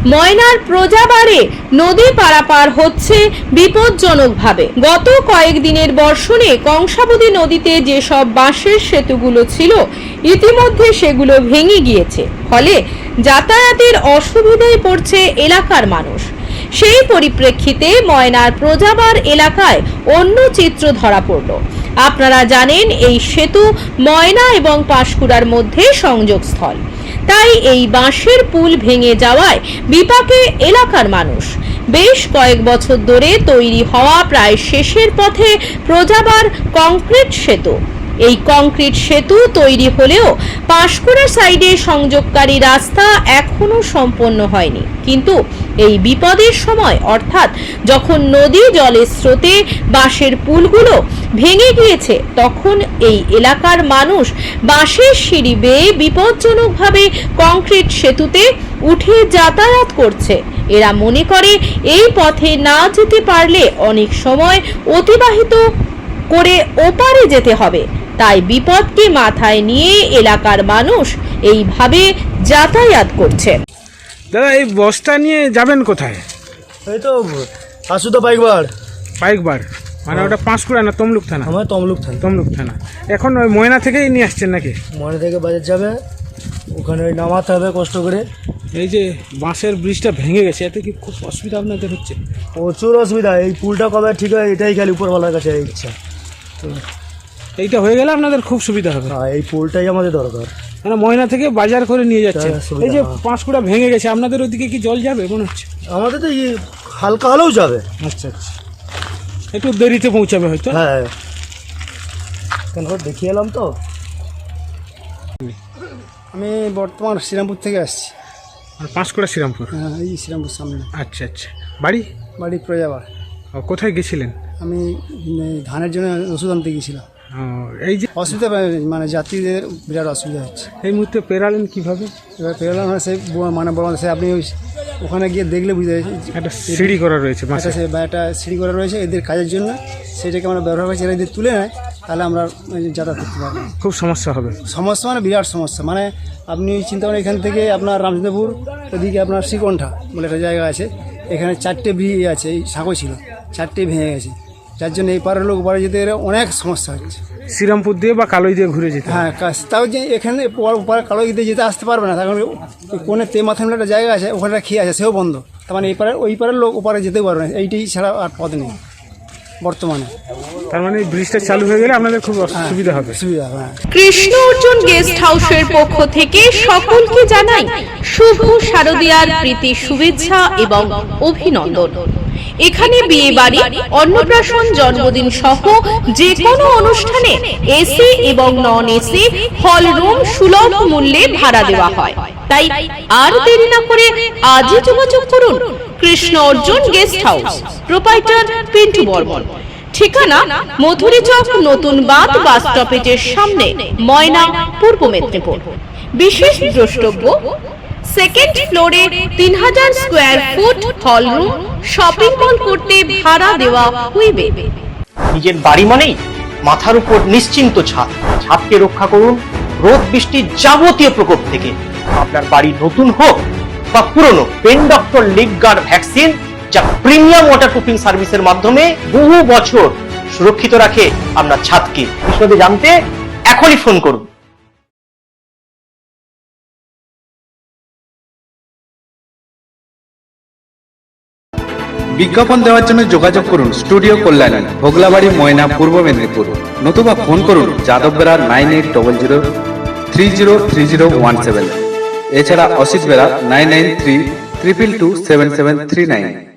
ময়নার প্রজাবাড়ে নদী পারাপার হচ্ছে বিপজ্জনকভাবে। গত কয়েকদিনের বর্ষণে কংসাবতী নদীতে যেসব বাঁশের সেতুগুলো ছিল ইতিমধ্যে সেগুলো ভেঙে গিয়েছে, ফলে যাতায়াতের অসুবিধায় পড়ছে এলাকার মানুষ। সেই পরিপ্রেক্ষিতে ময়নার প্রজাবার এলাকায় অন্য চিত্র ধরা পড়ল। আপনারা জানেন এই সেতু ময়না এবং পাঁশকুড়ার মধ্যে সংযোগস্থল, তাই এই বাঁশের পুল ভেঙে যাওয়ায় বিপাকে এলাকার মানুষ। বেশ কয়েক বছর ধরে তৈরি হওয়া প্রায় শেষের পথে প্রজাবার কংক্রিট সেতু। এই কংক্রিট সেতু তৈরি হলেও পাঁশকুড়া সাইডে সংযোগকারী রাস্তা এখনো সম্পন্ন হয়নি। কিন্তু এই বিপদের সময়, অর্থাৎ যখন নদী জলের স্রোতে বাঁশের পুলগুলো ভেঙে গিয়েছে, তখন এই এলাকার মানুষ বাঁশের সিঁড়ি বেয়ে বিপজ্জনকভাবে কংক্রিট সেতুতে উঠে যাতায়াত করছে। এরা মনে করে এই পথে না যেতে পারলে অনেক সময় অতিবাহিত করে ওপারে যেতে হবে, তাই বিপদকে মাথায় নিয়ে এলাকার মানুষ এইভাবে যাতায়াত করছে। দাদা, এই বস্তা নিয়ে যাবেন কোথায়? এই তো আসুদা পাইকবার। পাইকবার মানে ওটা পাঁশকুড়া না তমলুক থানা? আমার তমলুক থানা। তমলুক থানা। এখন ওই ময়না থেকেই নিয়ে আসছেন নাকি? ময়না থেকে বাজার যাবে, ওখানে ওই নামাতে হবে কষ্ট করে। এই যে বাঁশের ব্রিজটা ভেঙে গেছে, এতে কি খুব অসুবিধা আপনাদের হচ্ছে? প্রচুর অসুবিধা। এই পুলটা কবে ঠিক হয় এটাই খালি উপরওয়ালার কাছে ইচ্ছা। তো এইটা হয়ে গেলে আপনাদের খুব সুবিধা হবে। হ্যাঁ, এই পুলটাই আমাদের দরকার। মানে ময়না থেকে বাজার করে নিয়ে যাচ্ছে। সুবিধা, এই যে হ্যাঁ। পাঁশকুড়া ভেঙে গেছে, আপনাদের ওদিকে কি জল যাবে মনে হচ্ছে? আমাদের তো হালকা হলেও যাবে। আচ্ছা আচ্ছা, একটু দেরিতে পৌঁছাবে হয়তো। হ্যাঁ, কেন দেখিয়ে এলাম তো। আমি বর্তমান শ্রীরামপুর থেকে আসছি। পাঁশকুড়া শ্রীরামপুর? হ্যাঁ, এই শ্রীরামপুর সামনে। আচ্ছা আচ্ছা। বাড়ি? বাড়ি প্রজাবার। কোথায় গেছিলেন? আমি ধানের জন্য ওষুধ আনতে গিয়েছিলাম। এই যে অসুবিধা মানে যাত্রীদের বিরাট অসুবিধা হচ্ছে। এই মুহূর্তে পেরালেন কিভাবে? এবার পেরোলাম না, সে মানে বড় সে আপনি ওখানে গিয়ে দেখলে বুঝতে একটা সিঁড়ি করা রয়েছে, একটা সিঁড়ি করা রয়েছে এদের কাজের জন্য, সেটাকে আমরা ব্যবহার করছি। এরা যদি তুলে নেয় তাহলে আমরা যাতায়াত করতে পারবো। খুব সমস্যা হবে। সমস্যা মানে বিরাট সমস্যা। মানে আপনি চিন্তা করেন এখান থেকে আপনার রামচন্দ্রপুর, ওদিকে আপনার শ্রীকণ্ঠা বলে একটা জায়গা আছে, এখানে 4টে ব্রিজ আছে, এই সাঁকো ছিল 4টে ভেঙে গেছে, যার জন্য এই পাড়ার লোক ওপারে যেতে অনেক সমস্যা হচ্ছে। শ্রীরামপুর দিয়ে বা কালোই দিয়ে ঘুরে যেতে। হ্যাঁ, তাও যে এখানে কালো দিয়ে যেতে আসতে পারবে না, তখন কোনে মাথায় একটা জায়গা আছে, ওখানে খেয়ে আছে, সেও বন্ধ। তার মানে এই পাড়ার ওই পাড়ার লোক ওপারে যেতেও পারবে না, এইটাই ছাড়া আর পথ নেই বর্তমানে। তার মানে এই ব্রিজটা চালু হয়ে গেলে আপনাদের খুব সুবিধা হবে। সুবিধা হবে। কৃষ্ণ অর্জুন গেস্ট হাউসের পক্ষ থেকে সকলকে জানাই শুভ শারদীয়ার প্রীতি শুভেচ্ছা এবং অভিনন্দন। এখানে বিয়ে বাড়ি, অন্নপ্রাশন, জন্মদিন সহ যে কোনো অনুষ্ঠানে এসি এবং নন এসি হল রুম সুলভ মূল্যে ভাড়া দেওয়া হয়। তাই আর দেরি না করে আজই যোগাযোগ করুন Krishna Arjun guest house, proprietor Pintu Barman. ঠিকানা মথুরি চক, নতুন বাঁধ বাস স্টপেজের সামনে, ময়না, পূর্ব মেদিনীপুর। বিশেষ দ্রষ্টব্য, সেকেন্ড ফ্লোরে 3000 square foot hall room, shopping mall করতে ভাড়া দেওয়া হইবে। নিজের বাড়ি মানেই মাথার উপর নিশ্চিন্ত ছাদ। ছাদকে রক্ষা করুন রোদ বৃষ্টির যাবতীয় প্রকোপ থেকে। আপনার বাড়ি নতুন হোক বা পুরনো, pen doctor leak guard vaccine, যা প্রিমিয়াম ওয়াটারপ্রুফিং সার্ভিসের মাধ্যমে বহু বছর সুরক্ষিত রাখে আপনার ছাদকে। বিশদে জানতে এখনই ফোন করুন। বিজ্ঞাপন দেওয়ার জন্য যোগাযোগ করুন স্টুডিও কল্যাণী, ভোগলাবাড়ি, ময়না, পূর্ব মেদিনীপুর। নতুবা ফোন করুন যাদব বেরা 9800303017। এছাড়া অসিত বেরা 9932227739।